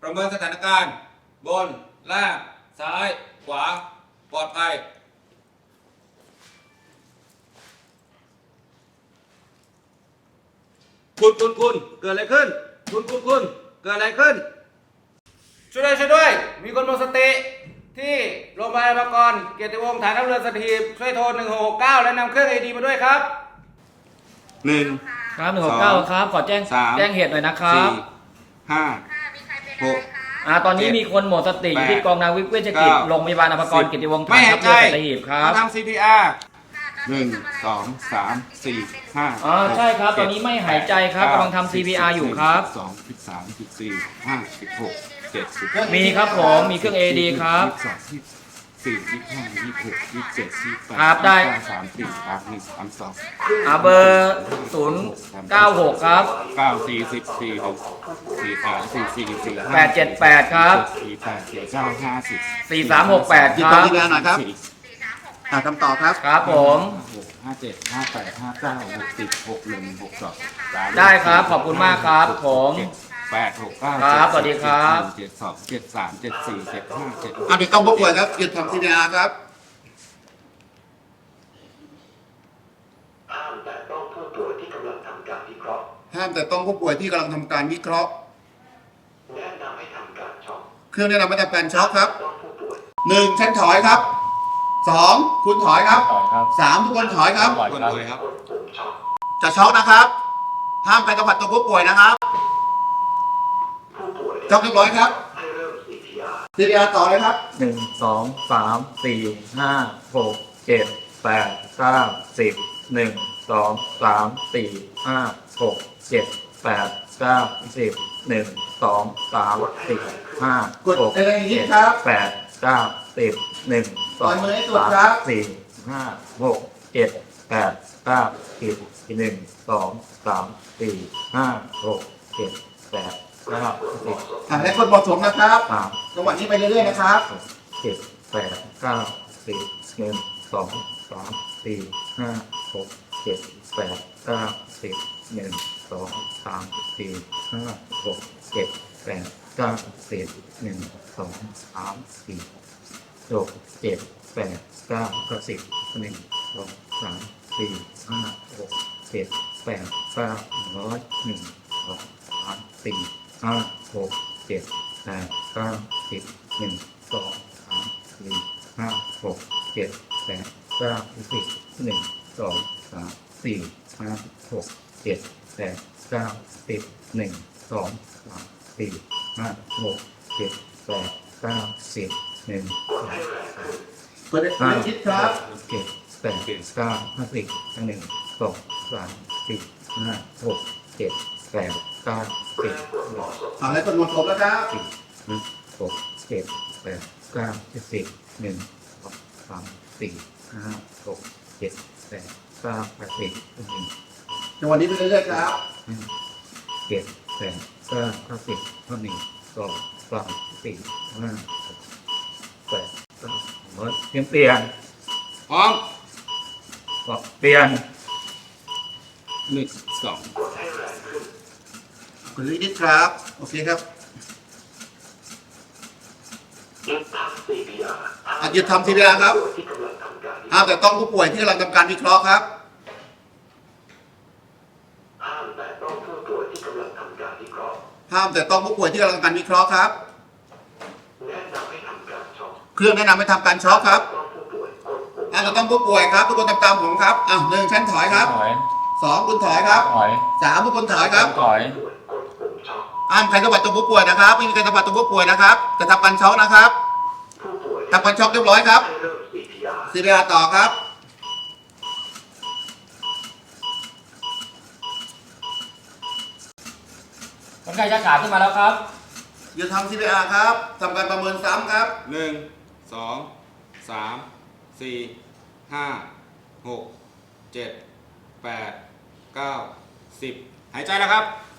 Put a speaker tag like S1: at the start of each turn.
S1: ประเมินสถานการณ์บนล่างซ้ายขวาปลอดภัยคุณเกิดอะไรขึ้นคุณเกิดอะไรขึ้นช่วยด้วยมีคนหมดสติที่โรงพยาบาลบางกรเกียรติวงศ์ฐานทัพเรือสัตหีบช่วยโทร1669และนำเครื่อง AED มาด้วยครับ1
S2: ครับ169ครับขอแจ้งเหตุหน่อยนะครับ
S1: 4 5 6
S2: ตอนนี้มีคนหมดสติอยู่ที่กองนาวิกเวชกิจโรงพยาบาลอภากรเกียรติวงศ์ฐานทัพเรือสัตหีบครับ
S1: ทำ CPR 1 2 3 4 5
S2: ใช่ครับตอนนี้ไม่หายใจครับกำลังทำ CPR อยู่ครับ
S1: 12 13 14 15 16 17
S2: มีครับผมมีเครื่อง AED ครับ
S1: 4 25 26 27 28
S2: ครับได้
S1: 34 31
S2: เบอร์096ครับ
S1: 9 40 46 43 44 45
S2: 878ครับ
S1: 48 49 50
S2: 4368
S3: หยิบ
S2: ค
S3: ตร
S2: รั
S3: ง
S2: บ
S3: ที่แล้วหน่อยครับคำตอบครับ
S2: ครับผม
S1: 57 58 59 60 61 62
S2: ได้ครับขอบคุณมากครับผม
S1: 8 6 9
S2: ครับสวัสดีครับ
S1: 72 73 74 75 76
S3: เด็กต้องผู้ป่วยครับหยุดทำ CPR ครับ
S4: ห้ามแต่ต้องผู้ป่วยที่กำลังทำการวิเคราะห์
S3: ห้ามแต่ต้องผู้ป่วยที่กำลังทำการวิเคราะห์
S4: แนะนำให้ทำการช็อค
S3: เครื่องแนะนำให้ทำการช็อคครับ
S4: ต้องผู้ป่วย
S3: 1ฉันถอยครับ2คุณถอยครับ3ทุกคนถอยครับ
S4: กดปุ่มช็อค
S3: จะช็อคนะครับห้ามไปสัมผัสตัวผู้ป่วยนะครับ
S4: ผู้ป่วย
S3: ช็อคเรียบร้อยครับ
S4: ให้เริ่ม CPR
S3: CPR ต่อเลยครับ
S2: 1 2 3 4 5 6 7 8 9 10 1 2 3 4 5 6 7 8 9 10 1 2 3 4 5
S3: กดอะไรอย่างนี้ครับ
S2: 8 9 10 1
S3: ปล่อยมือให้สุดค
S2: 2
S3: รับ
S2: 3 4 5 6 7 8 9 10 1 2 3 4 5 6 7 8 9 10
S3: และคนเหมาะสมนะครับ
S2: 3
S3: จังหวะนี้ไปเรื่อยๆนะครับ
S2: 7 8 9 10 1 2 3 4 5 6 7 8 9 10 1 2 3 4 5 6 7 8 9 10 1 2 3 4 6 7 8 9 10 1 2 3 4 5 6 7 8 9 100 1 2 3 4 5 6 7 8 9 10 1 2 3 4 5 6 7 8 9 10 1 2 3 4 5 6 7 8 9 10 1 2 3 4 5 6 7 8 9 10 1
S3: เปิดให้คิดครับ
S2: 7 8 9 50 1 2 3 4 5 6 7 8 9 10
S3: และคนเหมาะสมแล้วครับ
S2: 6 7 8 9 10 1 2 3 4 5 6 7 8 9 10 1
S3: จังหวะนี้ไปเรื่อยๆครับ
S2: 7 8 9 10 1 2 3 4 5 6 8 9เปลี่ยน
S1: พร้อม
S2: เปลี่ยน
S1: 1 2
S3: คุณลิขิตครับโอเคครับ
S4: หยุดทำ CPR
S3: หยุดทำ CPR ครับ
S4: ที่กำลังทำการ
S3: ห้ามแต่ต้องผู้ป่วยที่กำลังทำการวิเคราะห์ครับ
S4: ห้ามแต่ต้องผู้ป่วยที่กำลังทำการวิเคราะห์
S3: ห้ามแต่ต้องผู้ป่วยที่กำลังทำการวิเคราะห์ครับ
S4: แนะนำให้ทำการช็อค
S3: เครื่องแนะนำให้ทำการช็อคครับ
S4: ต้องผู้ป่วยกดปุ่ม
S3: จะต้องผู้ป่วยครับทุกคนตามผมครับ1ชั้นถอยครับ2คุณถอยครับ3ทุกคนถอยครับ
S4: ผู้ป่วยกดปุ่มช็อค
S3: ห้ามใครสัมผัสตัวผู้ป่วยนะครับไม่มีใครสัมผัสตัวผู้ป่วยนะครับจะทำการช็อคนะครับ
S4: ผู้ป่วย
S3: ทำการช็อคเรียบร้อยครับ
S4: ให้เริ่ม CPR
S3: CPR ต่อครับ
S2: คนไข้ชักขาขึ้นมาแล้วครับ
S3: หยุดทำ CPR ครับทำการประเมินซ้ำครับ
S1: 1 2 3 4 5 6 7 8 9 10หายใจแล้วครับ